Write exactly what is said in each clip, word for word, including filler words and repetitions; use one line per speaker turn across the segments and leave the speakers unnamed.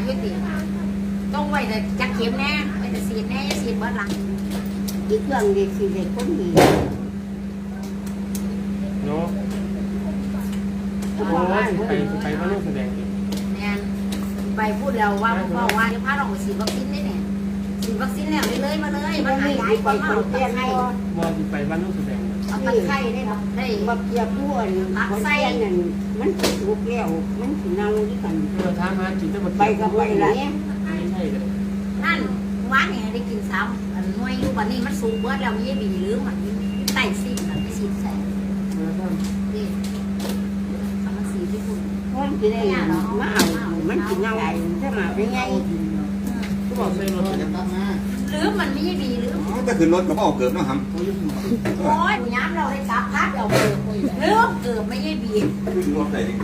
ยุติต้องไว้แต่จักเข็มแน่ไว้แต่สีแน่จะสีเบิดหลัง
อีกเรื่องเด็กคือเด็กคนนี้
เนาะโอ้ไปไปว่าลูกแสดงดิ
เนี่ยไปพูดแล้วว่าพ่อว่าจะพาเราไปฉีดวัคซีนได้เนี่ยฉีดวัคซีนแล้วเลยมาเลยมาหายายไปเอาตะไคร้
มอไปว่าลูกแสดง
เอาตะไคร้ได้ครับได้
บักเกียบบ้วนคนเตี้ยนั่นมันถูกแล้วมันถึงเน่าที่กัน
เออท้ามาจิตจะหมด
ไปกับไปละ
ไม่ใช่เลย
นั่นว่าเนี่ยได้กินซ้ำอันน้อยอยู่วันนี้มันสูงเบิดแล้วมีบีหรือมันไต่ซิ่งมันไปฉีดใส่ดิทำมันสีที่คุณ
มันจะได้มาเอามันถึงเน่าถ้ามาได้ไง
ก็บอกใส่รถจะตั้งมา
หรือมันไม่บีหรือ
ถ้าขึ้นรถก็เอาเกือบเนาะครับ
โอ้ยย้ำเราได้กลับพัดเราเกิดหรือเกิดไม่ใช่บี
ขึ้นรถได้ดิ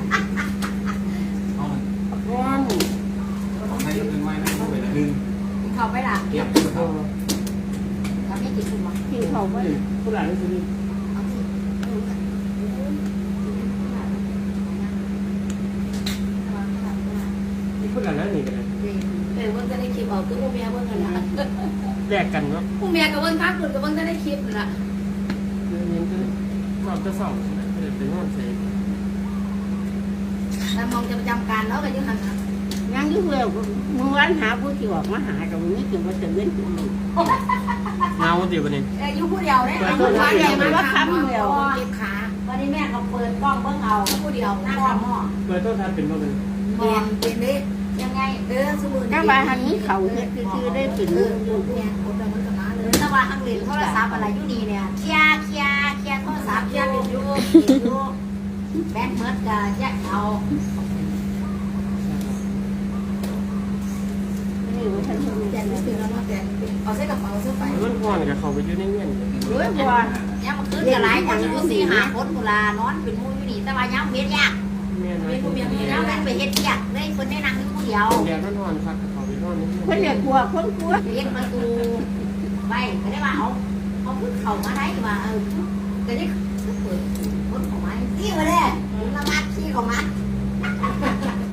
ร้อน
ให้ยกเป็นไม้ไม่ต้องไปดึง
เขาไปละ
เก็บ
เขาไม่กินคุณหรอ
ที่เขาไม่
ผู้หลานนี่สิ
เอาสิ
ผู้หลานนั่นนี่กันเลย
เดี๋ยวว่าจะได้คลิปเอาคือพวกเมียเบิ่งกันละ
แยกกันเนาะ
พวกเมียกับเบิ่งพักคุณกับเบิ่งจะได้คลิปละ
เรียนก็สอบจะสอบเดี๋ยวเป็นห้องเสก
แต่มองจะประจำการแล้วกันยังหัน
ยังยุ่งเร็วมึงร้านหาผู้ที่ออกมาหาตรงนี้ถึงว่าจะเล่นกู
เงาเดี๋ยววันนี้
อายุผู้เดียวเนี่ยอายุผู้เดียวมันว่าคำเดียวเก็บขาวันนี้แม่เขาเปิดกล้องเบิ่งเอาผู้เดียวหน้าคำหม้อ
เปิดต้นทานเป็นว่าเป็น
มองเป็นได้ยังไงเออสมุน
ถ้าว่าหันนี้เขาเนี่ยคือได้เป็น
เอ
เรื่
อ
องอยู่
เนี่ยคนละมันกับมาเลยถ้าว่าทางเรียนโทรศัพท์อะไรอยู่นี่เนี่ยเคลียร์เคลียร์เคลียร์โทรศัพท์เคลียร์เป็นอยู่เป็นอยู่แบนเมิร์ดก็แยกเอา
นี่ว่าฉัน
แจกเป็นแล้วเนาะแจกเอาใส่กระเป๋าเสื้อไป
มันพ่อนกับเขาไปอยู่ในเงี้ย
ด้วยบัว
เนี่ยมันขึ้นกับหลายคนอยู่สี่ห้าคนกุลานอนเป็นมูอยู่นี่แต่ว่าย้ำเฮ็ดยาก
เงี้ยนะ
เป็นผู้เมียมีแล้วนั่นไปเฮ็ดยากเลยคนได้นั่งอยู่ผู้เดียว
แดดมันร้อนครับเขาไปนอนนี่
คนเดียวกลัวคนกลัว
เฮ็ดประตูไปก็ได้ว่าเอาเอาขึ้นเข่ามาได้ว่าเออก็ได้เปิดคนของมันที่มาเลยละมัดขี้ของมัน